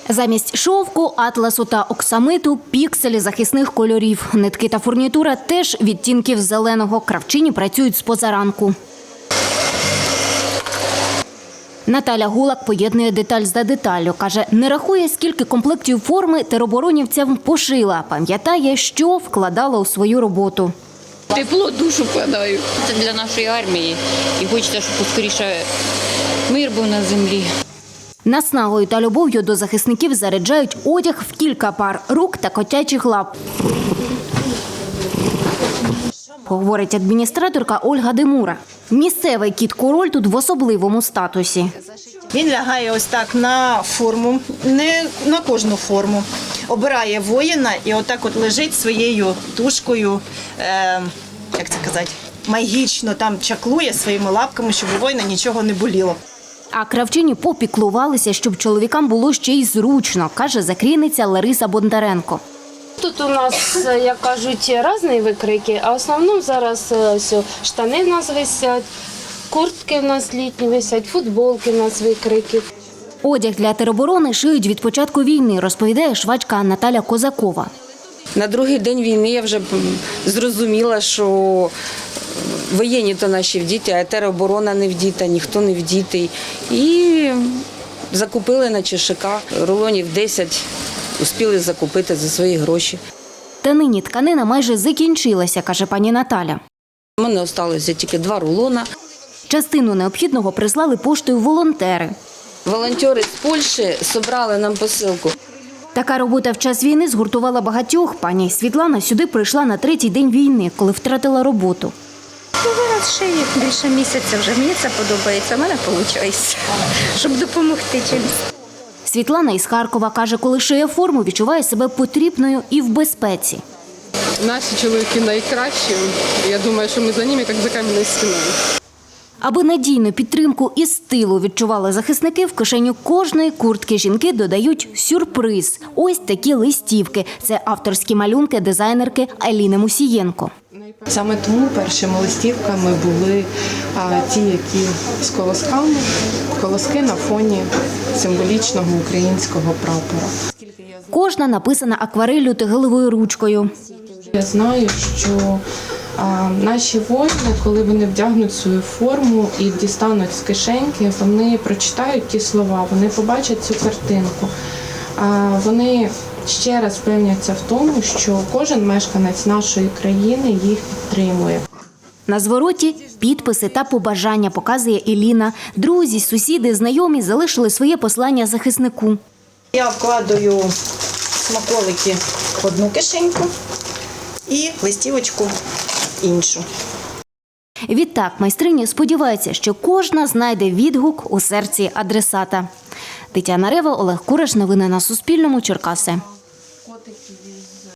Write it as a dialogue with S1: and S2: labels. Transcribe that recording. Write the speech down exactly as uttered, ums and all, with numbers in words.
S1: Замість шовку, атласу та оксамиту – пікселі захисних кольорів. Нитки та фурнітура теж відтінків зеленого. Кравчині працюють з позаранку. Наталя Гулак поєднує деталь за деталлю. Каже, не рахує, скільки комплектів форми тероборонівцям пошила. Пам'ятає, що вкладала у свою роботу.
S2: Тепло душу вкладаю. Це для нашої армії. І хочеться, щоб поскоріше мир був на землі.
S1: Наснагою та любов'ю до захисників заряджають одяг в кілька пар рук та котячих лап. Говорить адміністраторка Ольга Демура. Місцевий кіт-король тут в особливому статусі.
S3: Він лягає ось так на форму, не на кожну форму. Обирає воїна і отак от лежить своєю тушкою, е, як це казати, магічно там чаклує своїми лапками, щоб у воїна нічого не боліло.
S1: А кравчині попіклувалися, щоб чоловікам було ще й зручно, каже закрійниця Лариса Бондаренко.
S4: Тут у нас, як кажуть, різні викрики, а в основному зараз ось, штани в нас висять, куртки в нас літні висять, футболки в нас викрики.
S1: Одяг для тероборони шиють від початку війни, розповідає швачка Наталя Козакова.
S5: На другий день війни я вже зрозуміла, що воєнні то наші вдіти, а тероборона не вдіта, ніхто не вдітий. І закупили на ЧШК рулонів десять, успіли закупити за свої гроші.
S1: Та нині тканина майже закінчилася, каже пані Наталя.
S5: У мене залишилося тільки два рулона.
S1: Частину необхідного прислали поштою волонтери.
S5: Волонтери з Польщі зібрали нам посилку.
S1: Така робота в час війни згуртувала багатьох. Пані Світлана сюди прийшла на третій день війни, коли втратила роботу.
S6: Ну, зараз шию більше місяця вже. Мені це подобається, в мене виходить, щоб допомогти чимось.
S1: Світлана із Харкова каже, коли шиє форму, відчуває себе потрібною і в безпеці.
S7: Наші чоловіки найкращі. Я думаю, що ми за ними, як за кам'яною стіною.
S1: Аби надійну підтримку і стилу відчували захисники, в кишеню кожної куртки жінки додають сюрприз. Ось такі листівки. Це авторські малюнки дизайнерки Аліни Мусієнко.
S8: Саме тому першими листівками були а, ті, які з колосками, колоски на фоні символічного українського прапора.
S1: Кожна написана аквареллю та гелевою ручкою.
S8: Я знаю, що а, наші воїни, коли вони вдягнуть свою форму і дістануть з кишеньки, вони прочитають ті слова, вони побачать цю картинку. А, вони ще раз впевняться в тому, що кожен мешканець нашої країни їх підтримує.
S1: На звороті підписи та побажання, показує Еліна. Друзі, сусіди, знайомі залишили своє послання захиснику.
S3: Я вкладаю смаколики в одну кишеньку і листівочку в іншу.
S1: Відтак майстрині сподіваються, що кожна знайде відгук у серці адресата. Тетяна Рева, Олег Кураш. Новини на Суспільному. Черкаси.
S8: Котики.